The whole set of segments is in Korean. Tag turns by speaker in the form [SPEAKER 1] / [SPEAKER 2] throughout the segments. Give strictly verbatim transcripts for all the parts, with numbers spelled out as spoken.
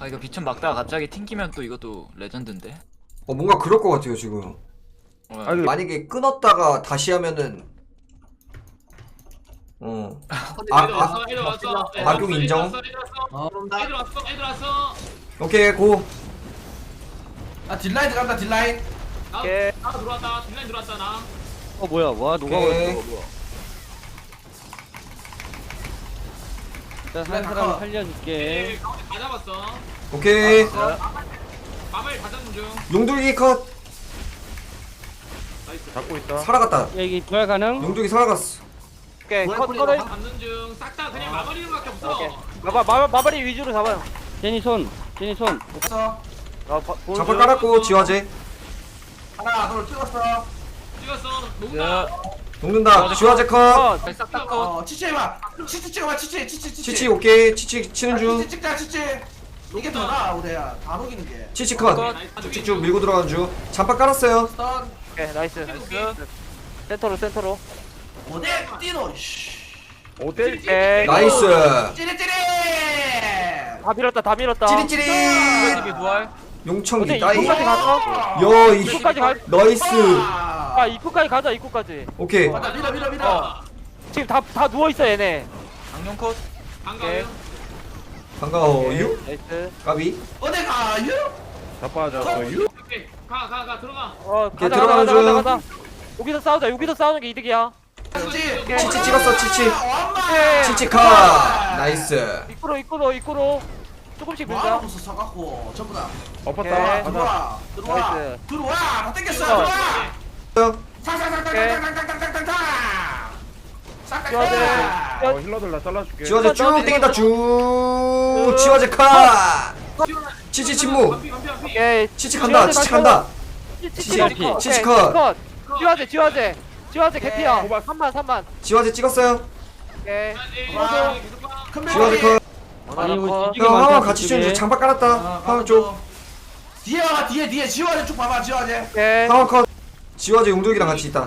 [SPEAKER 1] 아 이거 비천 막다가 갑자기 튕기면 또 이것도 레전드인데.
[SPEAKER 2] 어 뭔가 그럴 것 같아요 지금.
[SPEAKER 1] 어,
[SPEAKER 3] 아니,
[SPEAKER 2] 만약에 끊었다가 다시 하면은 어 아,
[SPEAKER 4] 애들 왔어, 애들 왔어. 애들
[SPEAKER 2] 악용
[SPEAKER 4] 왔어,
[SPEAKER 2] 인정.
[SPEAKER 4] 애들 왔어, 애들 왔어.
[SPEAKER 3] 어 그런다.
[SPEAKER 4] 애들 왔어, 애들 왔어.
[SPEAKER 2] 오케이 고.
[SPEAKER 3] 아 딜라인 들어간다 딜라인.
[SPEAKER 4] 나,
[SPEAKER 5] 오케이.
[SPEAKER 4] 나 들어왔다. 딜라인 들어왔다 나.
[SPEAKER 5] 어 뭐야 와 누가
[SPEAKER 2] 오케이.
[SPEAKER 5] 왔어 뭐야. 일단
[SPEAKER 3] 그래,
[SPEAKER 5] 한
[SPEAKER 3] 다
[SPEAKER 5] 사람
[SPEAKER 3] 커.
[SPEAKER 5] 살려줄게.
[SPEAKER 4] 예, 가운데 다 잡았어.
[SPEAKER 2] 오케이.
[SPEAKER 4] 마블 다 잡는 중.
[SPEAKER 2] 용돌기 컷.
[SPEAKER 4] 나이스.
[SPEAKER 3] 잡고 있다.
[SPEAKER 2] 살아갔다.
[SPEAKER 5] 여기 부활 가능?
[SPEAKER 2] 용돌기 살아갔어.
[SPEAKER 5] 오케이
[SPEAKER 3] 부활
[SPEAKER 5] 컷
[SPEAKER 3] 뿌리고
[SPEAKER 5] 컷을.
[SPEAKER 3] 가.
[SPEAKER 4] 잡는 중. 싹 다 그냥 마무리는 밖에 없어.
[SPEAKER 5] 오케이. 마바 마바 마바리 위주로 잡아요. 제니 손 제니 손.
[SPEAKER 3] 없어.
[SPEAKER 5] 아, 바, 보여줘.
[SPEAKER 2] 장판 깔았고 지화제.
[SPEAKER 3] 하나 둘 찍었어.
[SPEAKER 4] 찍었어.
[SPEAKER 5] 야.
[SPEAKER 4] 녹는다.
[SPEAKER 2] 녹는다. 지화제 컷.
[SPEAKER 5] 컷.
[SPEAKER 4] 싹다 컷.
[SPEAKER 3] 어 치치 해봐. 치치 찍어봐 치치 치치 치치.
[SPEAKER 2] 치치 오케이. 치치 치는
[SPEAKER 3] 아,
[SPEAKER 2] 중.
[SPEAKER 3] 치치 찍자 치치. 이게 더 나아 우대야. 다 녹이는 게.
[SPEAKER 2] 치치 컷. 쭉쭉 밀고 들어가는 중. 장판 깔았어요.
[SPEAKER 3] 스턴.
[SPEAKER 5] 오케이 나이스.
[SPEAKER 4] 나이스.
[SPEAKER 5] 센터로 센터로.
[SPEAKER 3] 어데 띠노. 씨.
[SPEAKER 5] 오케이. 오케이.
[SPEAKER 2] 나이스.
[SPEAKER 3] 찌릿찌릿.
[SPEAKER 5] 다 밀었다 다 밀었다.
[SPEAKER 2] 찌릿찌릿.
[SPEAKER 1] 이게 부활.
[SPEAKER 2] 용청기
[SPEAKER 5] 어때
[SPEAKER 2] 따이.
[SPEAKER 5] 입구까지 갔어?
[SPEAKER 2] 여 이.
[SPEAKER 5] 입구까지 갈.
[SPEAKER 2] 나이스.
[SPEAKER 5] 아 입구까지 가자 입구까지.
[SPEAKER 2] 오케이.
[SPEAKER 3] 맞아 밀어 밀어 밀어.
[SPEAKER 5] 지금 다 다 누워 있어 얘네.
[SPEAKER 1] 강룡 컷.
[SPEAKER 4] 반가워요.
[SPEAKER 2] 반가워요.
[SPEAKER 5] 나이스.
[SPEAKER 2] 까비.
[SPEAKER 3] 어디 가요?
[SPEAKER 4] 오케이. 가, 가, 가. 들어가.
[SPEAKER 5] 어
[SPEAKER 2] 오케이,
[SPEAKER 5] 가자 가자
[SPEAKER 2] 들어가는
[SPEAKER 5] 가자
[SPEAKER 2] 중.
[SPEAKER 5] 가자 가자. 여기서 싸우자 여기서 싸우는 게 이득이야.
[SPEAKER 3] 치치.
[SPEAKER 2] 치치 찍었어 치치.
[SPEAKER 5] 오케이.
[SPEAKER 2] 치치 컷. 나이스.
[SPEAKER 5] 입구로 입구로 입구로 조금씩 밀자.
[SPEAKER 3] 뭐하고 있어 사갖고 전부 다.
[SPEAKER 5] 오케이.
[SPEAKER 3] 들어와 들어와
[SPEAKER 5] 나이스.
[SPEAKER 3] 들어와 다 땡겼어
[SPEAKER 5] 어.
[SPEAKER 3] 들어와. 탕탕탕탕탕탕탕탕탕.
[SPEAKER 5] 지화제.
[SPEAKER 3] 싹
[SPEAKER 6] 힐러들 나 잘라줄게.
[SPEAKER 2] 지화제 쭉
[SPEAKER 5] 너,
[SPEAKER 2] 땡긴다 쭉. 지화제 컷. 치치 침묵.
[SPEAKER 4] 반피, 반피, 반피.
[SPEAKER 5] 오케이.
[SPEAKER 2] 치치 간다. 치치 간다.
[SPEAKER 5] 치치
[SPEAKER 2] 치치,
[SPEAKER 5] 컷.
[SPEAKER 2] 치치
[SPEAKER 5] 오케이,
[SPEAKER 2] 컷.
[SPEAKER 5] 컷. 지화제 지화제 지화제 개피야.
[SPEAKER 6] 호박.
[SPEAKER 5] 삼만 삼만.
[SPEAKER 2] 지화제 찍었어요.
[SPEAKER 5] 오케이.
[SPEAKER 4] 에이,
[SPEAKER 3] 와.
[SPEAKER 4] 계속 가.
[SPEAKER 3] 큰
[SPEAKER 2] 지화제
[SPEAKER 3] 멜로디.
[SPEAKER 2] 컷.
[SPEAKER 5] 아니 뭐
[SPEAKER 2] 형 하나 같이 치는 중. 장박 깔았다.
[SPEAKER 3] 아,
[SPEAKER 2] 하나 쪽.
[SPEAKER 3] 뒤에 와 뒤에 뒤에 지화제 쭉 봐봐 지화제.
[SPEAKER 5] 오케이.
[SPEAKER 2] 하나 컷. 지화제 용돌기랑 같이 있다.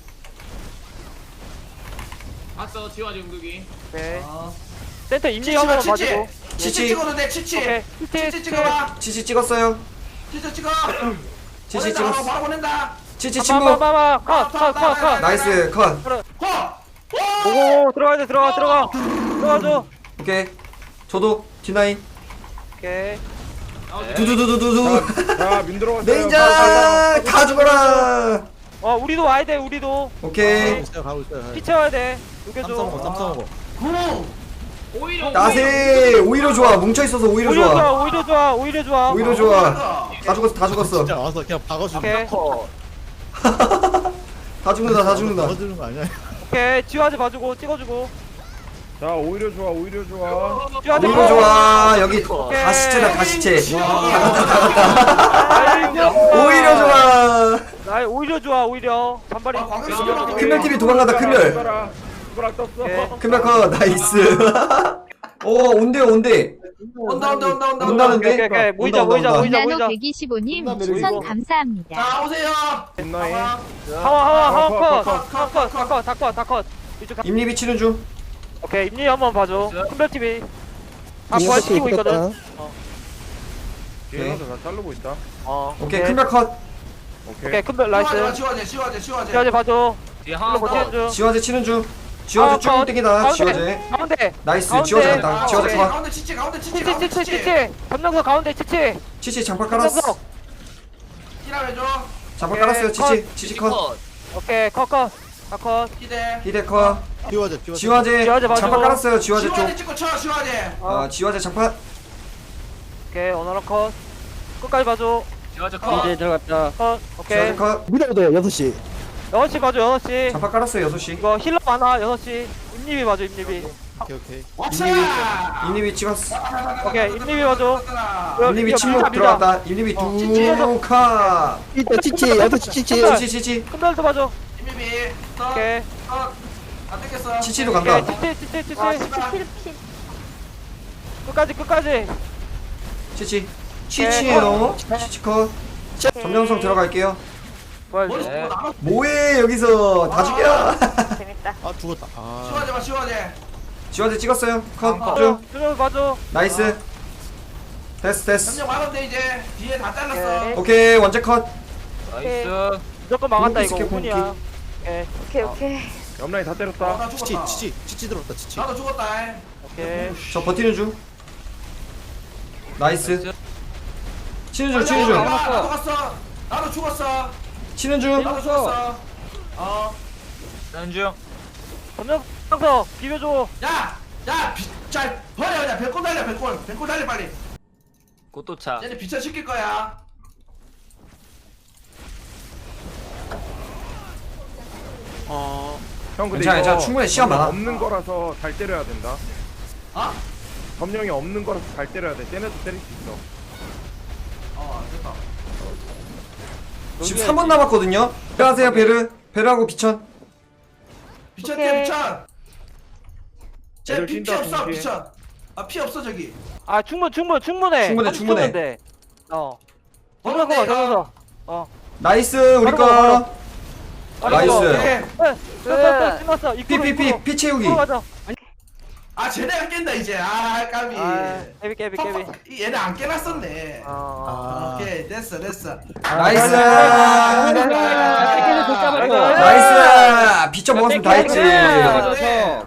[SPEAKER 4] 봤어, 지화지 응급이.
[SPEAKER 5] 오케이.
[SPEAKER 3] 어.
[SPEAKER 5] 센터 임리
[SPEAKER 3] 치치가
[SPEAKER 5] 한번
[SPEAKER 3] 치치.
[SPEAKER 5] 봐주고.
[SPEAKER 3] 치치
[SPEAKER 2] 치치.
[SPEAKER 3] 찍어도 돼 치치.
[SPEAKER 5] 오케이. 치치
[SPEAKER 3] 치치 찍어봐.
[SPEAKER 2] 치치 찍었어요.
[SPEAKER 3] 치치 찍어.
[SPEAKER 2] 치치
[SPEAKER 3] 보낸다,
[SPEAKER 2] 찍었어.
[SPEAKER 3] 바로 보낸다.
[SPEAKER 2] 치치 침묵.
[SPEAKER 5] 봐봐봐. 컷컷컷
[SPEAKER 2] 나이스 컷.
[SPEAKER 3] 호.
[SPEAKER 5] 오고 들어가야 돼 들어가 들어가. 들어가줘.
[SPEAKER 2] 오케이. 저도 디나인.
[SPEAKER 5] 오케이.
[SPEAKER 2] 두두두두두두.
[SPEAKER 6] 자, 민 들어갔어요.
[SPEAKER 2] 레인저 다 죽어라.
[SPEAKER 5] 어 우리도 와야 돼 우리도.
[SPEAKER 2] 오케이.
[SPEAKER 5] 피 채워야 돼. 녹여줘.
[SPEAKER 3] 구.
[SPEAKER 4] 오히려
[SPEAKER 2] 나세 오히려 좋아. 뭉쳐 있어서 오히려
[SPEAKER 5] 오히려
[SPEAKER 2] 좋아.
[SPEAKER 5] 좋아 오히려 좋아 오히려 좋아.
[SPEAKER 2] 오히려 좋아. 다 죽었어 다 죽었어.
[SPEAKER 7] 진짜 와서 그냥 박아주는
[SPEAKER 5] 오케이.
[SPEAKER 2] 다 죽는다 다 죽는다.
[SPEAKER 7] 박아주는 거 아니야?
[SPEAKER 5] 오케이 지화제 봐주고 찍어주고.
[SPEAKER 6] 자, 오히려 좋아, 오히려 좋아.
[SPEAKER 5] 지화제
[SPEAKER 2] 오히려 좋아. 여기 다 시체다 다 시체. 오히려 좋아.
[SPEAKER 5] 나 오히려 좋아 오히려. 반발이.
[SPEAKER 3] 아, 광역 스피드.
[SPEAKER 2] 큰별 팀이 도망간다 큰별.
[SPEAKER 6] 라 손가락 떴어.
[SPEAKER 5] 오케이.
[SPEAKER 2] 큰별 컷 나이스. 오 온대요 온대.
[SPEAKER 3] 온다 온다 온다 온다.
[SPEAKER 2] 온다는데?
[SPEAKER 5] 오케이 오케이 모이자
[SPEAKER 2] 온다,
[SPEAKER 5] 모이자
[SPEAKER 2] 온다.
[SPEAKER 5] 모이자
[SPEAKER 8] 나노
[SPEAKER 5] 모이자.
[SPEAKER 8] 백이십오 님
[SPEAKER 2] 온다,
[SPEAKER 8] 추천
[SPEAKER 2] 내리고.
[SPEAKER 8] 감사합니다.
[SPEAKER 3] 자 오세요.
[SPEAKER 6] 빛나이.
[SPEAKER 3] 봐봐.
[SPEAKER 5] 하와 하와 하와
[SPEAKER 6] 컷,
[SPEAKER 5] 컷.
[SPEAKER 3] 컷,
[SPEAKER 5] 컷
[SPEAKER 3] 컷,
[SPEAKER 5] 컷 컷 다컷 이쪽 다.
[SPEAKER 2] 임리비 치는 중.
[SPEAKER 5] 오케이 임리 한번 봐줘. 큰별 티비. 다 부활시키고 있거든.
[SPEAKER 6] 뒤에 힐러들 나 자르고 있다.
[SPEAKER 5] 어.
[SPEAKER 2] 오케이 큰별 컷.
[SPEAKER 6] 오케이.
[SPEAKER 5] 오케이 큰별
[SPEAKER 3] 지화제
[SPEAKER 5] 나이스.
[SPEAKER 3] 지화제 지화제 지화제.
[SPEAKER 5] 지화제 봐줘.
[SPEAKER 1] 뒤에
[SPEAKER 5] 흘러
[SPEAKER 1] 하나
[SPEAKER 5] 버티는
[SPEAKER 1] 컷.
[SPEAKER 5] 중.
[SPEAKER 2] 지화제 치는 중. 지화제 쭉 땡기다.
[SPEAKER 5] 가운데,
[SPEAKER 2] 지화제.
[SPEAKER 5] 가운데.
[SPEAKER 2] 나이스
[SPEAKER 5] 가운데.
[SPEAKER 2] 지화제 간다.
[SPEAKER 3] 아,
[SPEAKER 2] 지화제
[SPEAKER 3] 오케이.
[SPEAKER 2] 컷.
[SPEAKER 3] 가운데 치치 가운데 치치
[SPEAKER 5] 치치
[SPEAKER 3] 가운데
[SPEAKER 5] 치치
[SPEAKER 3] 치치.
[SPEAKER 5] 치치. 점령석 가운데 치치.
[SPEAKER 2] 치치 장판 깔았어.
[SPEAKER 5] 점령석.
[SPEAKER 3] 기다려줘.
[SPEAKER 2] 장판
[SPEAKER 5] 오케이,
[SPEAKER 2] 깔았어요. 치치
[SPEAKER 5] 컷.
[SPEAKER 2] 치치 컷.
[SPEAKER 5] 오케이 컷컷. 컷컷.
[SPEAKER 3] 기대.
[SPEAKER 2] 히데 컷.
[SPEAKER 7] 지화제 지화제
[SPEAKER 2] 지화제
[SPEAKER 5] 지화제 봐줘.
[SPEAKER 2] 장판 깔았어요. 지화제
[SPEAKER 3] 지화제
[SPEAKER 2] 쪽.
[SPEAKER 3] 찍고 쳐 지화제.
[SPEAKER 2] 아 지화제 장판.
[SPEAKER 5] 오케이 오너러 컷. 끝까지 봐줘.
[SPEAKER 1] 지화제 컷.
[SPEAKER 5] 들어갔다. 컷.
[SPEAKER 2] 지화제
[SPEAKER 5] 오케이.
[SPEAKER 2] 컷.
[SPEAKER 7] 미라도 여섯 시
[SPEAKER 5] 여섯 시 봐줘 여섯 시.
[SPEAKER 2] 장판 깔았어요. 여섯 시.
[SPEAKER 5] 이거 힐러 많아 여섯 시. 임리비 봐줘 임리비.
[SPEAKER 7] 오케이 오케이
[SPEAKER 3] 왁사.
[SPEAKER 2] 임리비 찍었어.
[SPEAKER 5] 오케이 임리비 봐줘.
[SPEAKER 2] 임리비
[SPEAKER 5] 이거
[SPEAKER 2] 침묵
[SPEAKER 5] 밀자, 밀자.
[SPEAKER 2] 들어갔다. 임리비 두 컷.
[SPEAKER 7] 일단 치치 여섯 시 치치
[SPEAKER 2] 치치 치치.
[SPEAKER 5] 큰별도 봐줘.
[SPEAKER 3] 이미비. 더.
[SPEAKER 5] 오케이.
[SPEAKER 3] 더. 안 땡겼어.
[SPEAKER 2] 치치도
[SPEAKER 5] 오케이
[SPEAKER 2] 간다.
[SPEAKER 5] 치치 치치 치치.
[SPEAKER 3] 아, 씨발.
[SPEAKER 5] 끝까지 끝까지.
[SPEAKER 2] 치치. 치치예요. 치치 컷. 점령성 들어갈게요.
[SPEAKER 5] 부활.
[SPEAKER 3] 머리
[SPEAKER 1] 네.
[SPEAKER 3] 쏘고 나가.
[SPEAKER 2] 뭐해 여기서 다 죽여.
[SPEAKER 5] 재밌다.
[SPEAKER 7] 아 죽었다 아
[SPEAKER 3] 지화제 봐 지화제.
[SPEAKER 2] 지화제 찍었어요. 컷.
[SPEAKER 5] 봐줘.
[SPEAKER 2] 쭉.
[SPEAKER 5] 준호 봐줘.
[SPEAKER 2] 나이스. 됐어 됐어.
[SPEAKER 3] 점령 막으면 돼 이제. 뒤에 다 잘랐어.
[SPEAKER 5] 오케이.
[SPEAKER 2] 오케이 원체 컷.
[SPEAKER 1] 나이스.
[SPEAKER 5] 무조건 막았다 이거
[SPEAKER 2] 공기 스킬,
[SPEAKER 5] 오픈이야. 오케이
[SPEAKER 8] 오케이 오케이.
[SPEAKER 6] 옆라인 다
[SPEAKER 3] 어,
[SPEAKER 6] 때렸다.
[SPEAKER 3] 나
[SPEAKER 7] 치치
[SPEAKER 3] 죽었다.
[SPEAKER 7] 치치 치치 들어왔다 치치.
[SPEAKER 3] 나도 죽었다.
[SPEAKER 5] 오케이.
[SPEAKER 2] 저 버티는 중. 나이스.
[SPEAKER 1] 나이스.
[SPEAKER 2] 치는 중
[SPEAKER 3] 아,
[SPEAKER 2] 치는 중.
[SPEAKER 3] 나도 죽었어. 나도 죽었어.
[SPEAKER 2] 치는 중.
[SPEAKER 3] 나도 죽었어. 어.
[SPEAKER 1] 나는 중.
[SPEAKER 5] 점령 상서 비벼줘.
[SPEAKER 3] 야, 야, 비, 잘 버려 그냥 백골 달려 백골. 백골 달려 빨리.
[SPEAKER 1] 꽃도차.
[SPEAKER 3] 얘네 비춰 시킬 거야.
[SPEAKER 7] 어.
[SPEAKER 6] 형 근데
[SPEAKER 2] 괜찮아,
[SPEAKER 6] 이거
[SPEAKER 2] 괜찮아. 충분히 시간 많아.
[SPEAKER 6] 없는 거라서 잘 때려야 된다.
[SPEAKER 3] 어?
[SPEAKER 6] 점령이 없는 거라서 잘 때려야 돼. 쟤네도 때릴 수 있어.
[SPEAKER 3] 어, 됐다.
[SPEAKER 2] 지금 삼 분 남았거든요. 안녕하세요 베르. 베르하고 비천.
[SPEAKER 3] 비춰
[SPEAKER 8] 오케이.
[SPEAKER 3] 뛰어 비춰. 쟤
[SPEAKER 6] 애들
[SPEAKER 3] 피, 피
[SPEAKER 6] 뛴다,
[SPEAKER 3] 없어
[SPEAKER 6] 동시에.
[SPEAKER 3] 비춰. 아, 피 없어 저기.
[SPEAKER 5] 아 충분 충분 충분해.
[SPEAKER 2] 충분해,
[SPEAKER 5] 삼십
[SPEAKER 2] 충분해.
[SPEAKER 5] 초인데. 어.
[SPEAKER 3] 버려
[SPEAKER 5] 점령 봐
[SPEAKER 3] 내가.
[SPEAKER 5] 점령. 어.
[SPEAKER 2] 나이스 우리
[SPEAKER 5] 바로 바로,
[SPEAKER 2] 거.
[SPEAKER 5] 바로.
[SPEAKER 2] 나이스.
[SPEAKER 5] 오케이. 네. 끝났어 끝났어.
[SPEAKER 2] 피
[SPEAKER 5] 입구로
[SPEAKER 2] 피 피
[SPEAKER 5] 입구로.
[SPEAKER 2] 피 채우기.
[SPEAKER 5] 입구로 가자.
[SPEAKER 3] 아, 쟤네가 깬다 이제. 아, 까비.
[SPEAKER 5] 아 깨비 깨비 깨비.
[SPEAKER 3] 퍽퍽. 이 얘네 안 깨놨었네.
[SPEAKER 5] 어.
[SPEAKER 7] 아.
[SPEAKER 3] 오케이, 됐어, 됐어.
[SPEAKER 2] 나이스.
[SPEAKER 5] 아,
[SPEAKER 2] 나이스. 비천 먹었으면 다 했지.
[SPEAKER 3] 네.